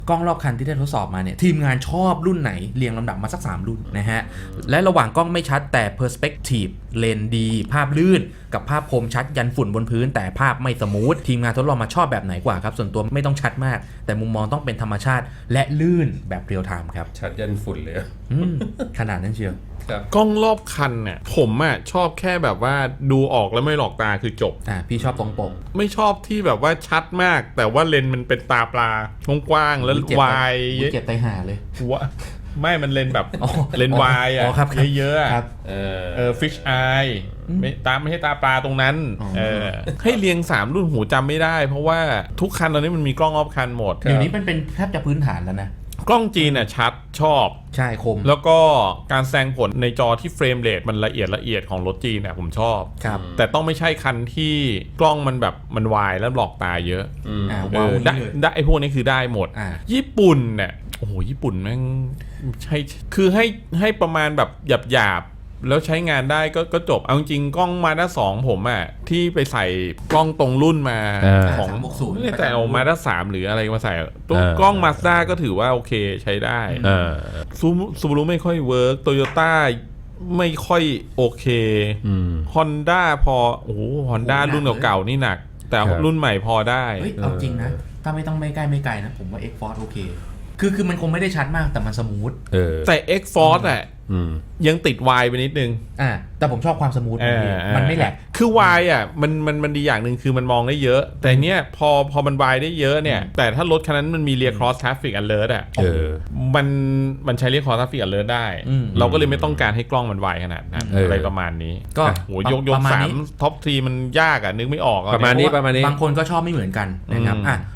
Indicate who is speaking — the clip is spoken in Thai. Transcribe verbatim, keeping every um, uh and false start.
Speaker 1: กล้องรอบคันที่ได้ทดสอบมาเนี่ยทีมงานชอบรุ่นไหนเรียงลำดับมาสักสามรุ่นนะฮะและระหว่างกล้องไม่ชัดแต่ Perspective เลนดีภาพลื่นกับภาพคมชัดยันฝุ่นบนพื้นแต่ภาพไม่สมูททีมงานทดลองมาชอบแบบไหนกว่าครับส่วนตัวไม่ต้องชัดมากแต่มุมมองต้องเป็นธรรมชาติและลื่นแบบเรียลไทม์ครับ
Speaker 2: ชัดยันฝุ่นเลย
Speaker 1: ขนาดนั้นเชียว
Speaker 3: กล้องรอบคันเนี่ยผมอ่ะชอบแค่แบบว่าดูออกแล้วไม่หลอกตาคือจบ
Speaker 1: อ่าพี่ชอบตรงปก
Speaker 3: ไม่ชอบที่แบบว่าชัดมากแต่ว่าเลนส์มันเป็นตาปลากว้างๆแล้ววาย
Speaker 1: เจ็บไตห่าเลย
Speaker 3: หัวไม่มันเลนส์แบบเลนส์วายอ่ะเยอะๆ
Speaker 1: ครับ
Speaker 3: เออเออฟิชไอไม่ตาไม่ใช่ตาปลาตรงนั้นเออให้เรียงสามรุ่นหูจำไม่ได้เพราะว่าทุกคันตอนนี้มันมีกล้องรอบคันหมด
Speaker 1: เดี๋ยวนี้มันเป็นแทบจะพื้นฐานแล้วนะ
Speaker 3: กล้องจีนน่ะชัดชอบ
Speaker 1: ใช่คม
Speaker 3: แล้วก็การแสดงผลในจอที่เฟรมเรทมันละเอียดละเอียดของรถจีนเนี่ยผมชอบ
Speaker 1: ครับ
Speaker 3: แต่ต้องไม่ใช่คันที่กล้องมันแบบมันวายแล้วหลอกตาเยอะ
Speaker 1: อ่า
Speaker 3: เออได้ได้ไอ้พวกนี้คือได้หมดญี่ปุ่นเนี่ยโอ้โหญี่ปุ่นแม่งใช่คือให้ให้ประมาณแบบหยาบหยาบแล้วใช้งานได้ก็ก็จบเอาจริงกล้องมาด้าสองผมอ่ะที่ไปใส่กล้องตรงรุ่นมาของไม่ได้แต่เอามาด้าสามหรืออะไรมาใส่ตัวกล้องมาสด้าก็ถือว่าโอเคใช้ได้ซูซูบารุไม่ค่อยเวิร์กโตโยต้าไม่ค่อยโอเคฮอนด้าพอโอ้โหฮอนด้ารุ่นเก่าๆนี่หนักแต่รุ่นใหม่พอได้
Speaker 1: เฮ้ยเอาจริงนะถ้าไม่ต้องไม่ใกล้ไม่ไกลนะผมว่า X-Force โอเคคือคือมันคงไม่ได้ชัดมากแต่มันสมูท
Speaker 3: แต่ X-Force อ่ะยังติดวายไปนิดนึง
Speaker 1: อ่าแต่ผมชอบความสมูทมันไม่แหลก
Speaker 3: คือวายอ่ะมันมันมันดีอย่างหนึ่งคือมันมองได้เยอะแต่เนี้ยพอพอมันวายได้เยอะเนี่ยแต่ถ้ารถคันนั้นมันมี Rear Cross Traffic Alert อ่ะเออมันมันใช้ Rear Cross Traffic Alert ได้เราก็เลยไม่ต้องการให้กล้องมันวายขนาดนั้นอะไรประมาณนี้ก็โหยกยกสามท็อปทรีมันยากอ่ะนึกไม่ออก
Speaker 2: ประมาณนี้ประมาณนี้
Speaker 1: บางคนก็ชอบไม่เหมือนกันนะครับอ่ะ